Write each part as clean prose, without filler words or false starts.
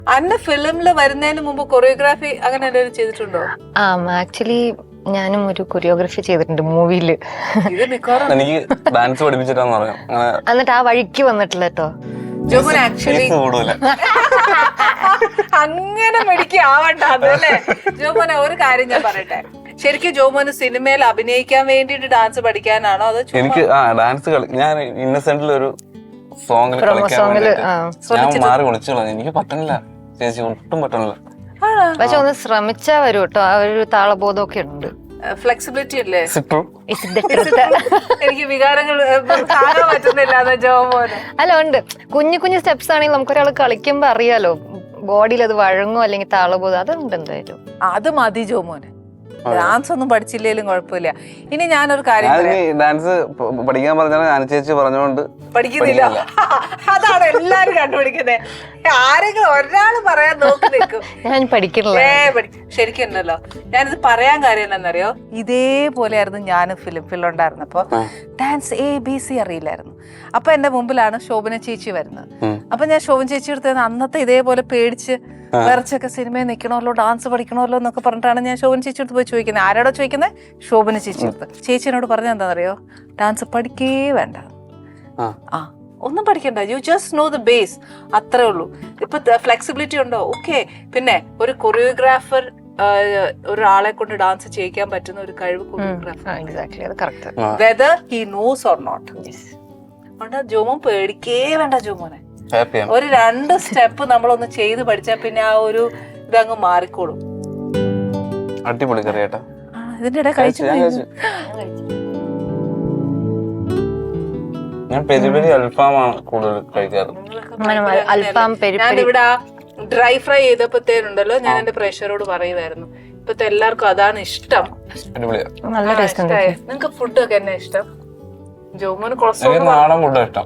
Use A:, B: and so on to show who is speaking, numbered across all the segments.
A: അന്ന ഫിലിമില് വരുന്നതിന് മുമ്പ് കൊറിയോഗ്രാഫി അങ്ങനെ എന്തെങ്കിലും ചെയ്തിട്ടുണ്ടോ?
B: ആക്ച്വലി ഞാനും ഒരു കൊറിയോഗ്രഫി ചെയ്തിട്ടുണ്ട് മൂവിയില്.
A: ഇത് മിക്കവാറും
C: എനിക്ക് ഡാൻസ് പഠിപ്പിച്ചിട്ടാന്ന് പറയാം.
B: എന്നിട്ട് ആ വഴിക്ക് വന്നിട്ടില്ല കേട്ടോ.
A: ജോമോൻ ആക്ച്വലി അങ്ങനെ മെഡിക്കാവണ്ട അതല്ലേ. ജോമോനെ ഒരു കാര്യം ഞാൻ പറയട്ടെ, ശരിക്കും ജോമോന് സിനിമയിൽ അഭിനയിക്കാൻ വേണ്ടിട്ട് ഡാൻസ് പഠിക്കാനാണോ അതോ?
C: എനിക്ക് ഡാൻസ് ഞാൻ ഇന്നസെന്റിൽ ഒരു സോങ്ങിൽ കളിക്കാൻ ഞാൻ മാറി വിളിച്ചോളാം. എനിക്ക് പറ്റണില്ല ചേച്ചി, ഒട്ടും പറ്റണില്ല.
B: പക്ഷെ ഒന്ന് ശ്രമിച്ചാ വരും കേട്ടോ. ആ ഒരു താളബോധമൊക്കെ ഉണ്ട്.
A: ഫ്ലെക്സിബിലിറ്റി അല്ലേ?
B: എനിക്ക്
A: എനിക്ക് വികാരങ്ങൾ കാണാൻ പറ്റുന്നില്ല അതാ ജോമോന്.
B: അല്ല ഉണ്ട്, കുഞ്ഞു കുഞ്ഞു സ്റ്റെപ്സ് ആണെങ്കിൽ നമുക്കൊരാൾ കളിക്കുമ്പോ അറിയാലോ ബോഡിയിൽ അത് വഴങ്ങോ അല്ലെങ്കിൽ താളബോധം അതുണ്ട് എന്തായാലും.
A: അത് മതി ജോമോന്. ഡാൻസ് ഒന്നും പഠിച്ചില്ലേലും കുഴപ്പമില്ല. ഇനി ഞാനൊരു കാര്യം
C: ഡാൻസ് പഠിക്കാൻ പറഞ്ഞാൽ ഞാൻ ചേച്ചി പറഞ്ഞോണ്ട്
A: പഠിക്കുന്നില്ല. അതാണ് എല്ലാരും കണ്ടുപിടിക്കുന്നത്. ആരെങ്കിലും ഒരാള് പറയാൻ നോക്കി നിൽക്കും
B: ഞാൻ പഠിക്കില്ല.
A: ശരിക്കും ഉണ്ടല്ലോ, ഞാനിത് പറയാൻ കാര്യം എന്താണെന്നറിയോ, ഇതേപോലെ ആയിരുന്നു ഞാനും ഫിലുണ്ടായിരുന്നപ്പോ. ഡാൻസ് ABC അറിയില്ലായിരുന്നു. അപ്പൊ എന്റെ മുമ്പിലാണ് ശോഭന ചേച്ചി വരുന്നത്. അപ്പൊ ഞാൻ ശോഭന ചേച്ചി എടുത്ത് അന്നത്തെ ഇതേപോലെ പേടിച്ച് വിറച്ചൊക്കെ സിനിമയിൽ നിൽക്കണമല്ലോ, ഡാൻസ് പഠിക്കണമല്ലോ എന്നൊക്കെ പറഞ്ഞിട്ടാണ് ഞാൻ ശോഭന ചേച്ചി അടുത്ത് പോയി ചോദിക്കുന്നത്. ആരോടോ ചോദിക്കുന്നത്? ശോഭന ചേച്ചി അടുത്ത്. ചേച്ചി എന്നോട് പറഞ്ഞ എന്താണെന്നറിയോ, ഡാൻസ് പഠിക്കേ വേണ്ട, ഒന്നും പഠിക്കണ്ട, you just know the base, അത്രേ ഉള്ളൂ. ഇപ്പൊ ഫ്ലെക്സിബിലിറ്റി ഉണ്ടോ? ഓക്കെ. പിന്നെ ഒരു കൊറിയോഗ്രാഫർ ഒരാളെ കൊണ്ട് ഡാൻസ് ചെയ്യിക്കാൻ പറ്റുന്ന ഒരു കഴിവ് choreographer, whether he knows or not. Jomon പേടിക്കേ വേണ്ട ജോമോനെ. ഒരു 2 സ്റ്റെപ്പ് നമ്മളൊന്ന് ചെയ്ത് പഠിച്ചാൽ പിന്നെ ആ ഒരു ഇതങ്ങ് മാറിക്കോളും.
C: അടിപൊളി കറിയാട്ടാ.
A: ഇതിന്റെ ഇടയിൽ കഴിച്ചു.
C: ഞാൻ പെരി പെരി അൽഫാമാണ് കൂടുതൽ കഴിക്കാറ്.
A: ഞാനിവിടെ ഡ്രൈ ഫ്രൈ ചെയ്തപ്പോഴത്തേനുണ്ടല്ലോ, ഞാൻ എന്റെ പ്രേക്ഷകരോട് പറയുമായിരുന്നു, ഇപ്പത്തെ എല്ലാവർക്കും അതാണ് ഇഷ്ടം. നിങ്ങക്ക് ഫുഡൊക്കെ എന്നെ ഇഷ്ടം? ജോമോന് കൊളസ്ട്രോൾ
C: നാടൻ ഫുഡാ ഇഷ്ടം.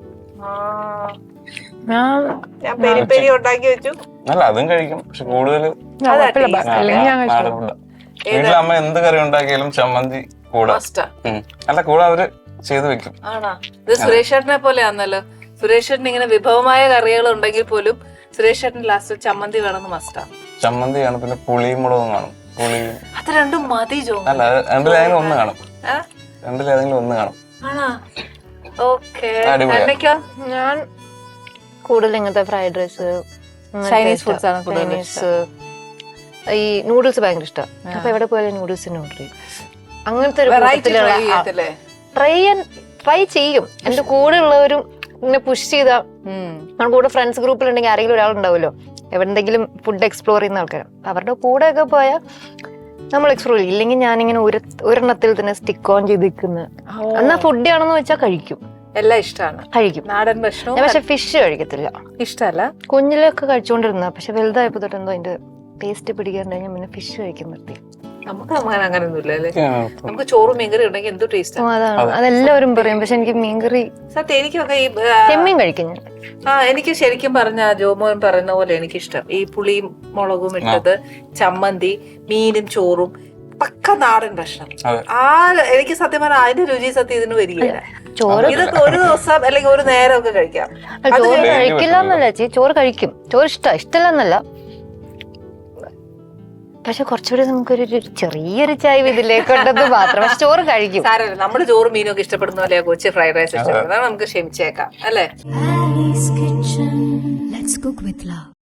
A: ഞാൻ പെരി പെരി ഉണ്ടാക്കി വെച്ചു.
C: അല്ല അതും കഴിക്കും, പക്ഷെ കൂടുതൽ നാടൻ ഫുഡാ. വീട്ടിലെ അമ്മ എന്ത് കറി ഉണ്ടാക്കിയാലും ചമ്മന്തി കൂടെ അല്ല കൂടെ അവര് ചെയ്ത് വെക്കും.
A: ആണോ? ഇത് സുരേഷ് ചേട്ടനെ പോലെ ആണല്ലോ. സുരേഷ് ചേട്ടൻ ഇങ്ങനെ വിഭവമായ കറികൾ ഉണ്ടെങ്കിൽ പോലും സുരേഷ് ചേട്ടൻ ലാസ്റ്റ് ചമ്മന്തി വേണമെന്ന് മസ്റ്റാ.
C: ചമ്മന്തി കാണും, പിന്നെ പുളിയും മുളകും കാണും. പുളിയും
A: അത് രണ്ടും മതി ജോ.
C: അല്ല രണ്ടിലേതെങ്കിലും ഒന്ന് കാണും. രണ്ടിലേതെങ്കിലും ഒന്ന് കാണും.
A: ആണോ? ഓക്കേ.
B: ഞാൻ കൂടുതൽ ഇങ്ങനത്തെ ഫ്രൈഡ് റൈസ്,
A: ചൈനീസ് ഫുഡ്സ് ആണ് കൂടുതൽ.
B: ഈ നൂഡിൽസ് ഭയങ്കര ഇഷ്ടമാണ്. അപ്പൊ എവിടെ പോയാലും നൂഡിൽസിന് ഓർഡർ ചെയ്യും. അങ്ങനത്തെ ട്രൈ ചെയ്യും. എന്റെ കൂടെ ഉള്ളവരും ഇങ്ങനെ പുഷ് ചെയ്താ, നമ്മുടെ കൂടെ ഫ്രണ്ട്സ് ഗ്രൂപ്പിലുണ്ടെങ്കിൽ ആരെങ്കിലും ഒരാളുണ്ടാവുമല്ലോ എവിടെന്തെങ്കിലും ഫുഡ് എക്സ്പ്ലോർ ചെയ്യുന്ന ആൾക്കാർ, അവരുടെ കൂടെ ഒക്കെ പോയാൽ നമ്മൾ എക്സ്പ്ലോർ ചെയ്യും. ഇല്ലെങ്കിൽ ഞാനിങ്ങനെ ഒരെണ്ണത്തിൽ തന്നെ സ്റ്റിക്ക് ഓൺ ചെയ്ത് നിൽക്കുന്നത്. എന്നാ ഫുഡ് ആണെന്ന് വെച്ചാൽ കഴിക്കും,
A: എല്ലാം ഇഷ്ടമാണ്, കഴിക്കും. നാടൻ ഭക്ഷണം.
B: പക്ഷെ ഫിഷ് കഴിക്കത്തില്ല,
A: ഇഷ്ടമല്ല.
B: കുഞ്ഞിലൊക്കെ കഴിച്ചുകൊണ്ടിരുന്ന, പക്ഷെ വലുതായപ്പോ തൊട്ട് എന്തോ അതിന്റെ ടേസ്റ്റ് പിടിക്കാറുണ്ടെങ്കിൽ പിന്നെ ഫിഷ് കഴിക്കാൻ നിർത്തി.
A: നമുക്ക് അങ്ങനെയൊന്നുമില്ല അല്ലേ. നമുക്ക് ചോറും മീൻകറി ഉണ്ടെങ്കിൽ എന്തോ ടേസ്റ്റ്.
B: അതാണ്, അതെല്ലാവരും പറയും. പക്ഷെ എനിക്ക് മീൻകറി
A: സത്യം എനിക്കൊക്കെ ഈ
B: ചെമ്മീൻ കഴിക്കും ഞാൻ. എനിക്ക്
A: ശരിക്കും പറഞ്ഞ ജോമോൻ പറയുന്ന പോലെ എനിക്കിഷ്ടം ഈ പുളിയും മുളകും ഇട്ടത്, ചമ്മന്തി, മീനും ചോറും, പക്ക നാടൻ ഭക്ഷണം. എനിക്ക് സത്യം പറഞ്ഞാൽ അതിന്റെ രുചി സത്യം ഇതിന് വരികയില്ല.
B: ചോറ്
A: ഇതൊക്കെ ഒരു ദിവസം അല്ലെങ്കിൽ ഒരു നേരം ഒക്കെ കഴിക്കാം.
B: ചോറ് കഴിക്കില്ല എന്നല്ല ചേച്ചി, ചോറ് കഴിക്കും. ചോറ് ഇഷ്ടമില്ല എന്നല്ല, പക്ഷെ കുറച്ചുകൂടി നമുക്കൊരു ചെറിയൊരു ചായ ഇതിലേക്ക് ഉണ്ടെന്ന് മാത്രം. പക്ഷെ ചോറ് കഴിക്കും.
A: സാരമില്ല, നമ്മുടെ ചോറും മീനും ഒക്കെ ഇഷ്ടപ്പെടുന്ന പോലെ കൊച്ചു ഫ്രൈഡ് റൈസ് ഇഷ്ടപ്പെടുന്നത് നമുക്ക് ക്ഷമിച്ചേക്കാം അല്ലേ.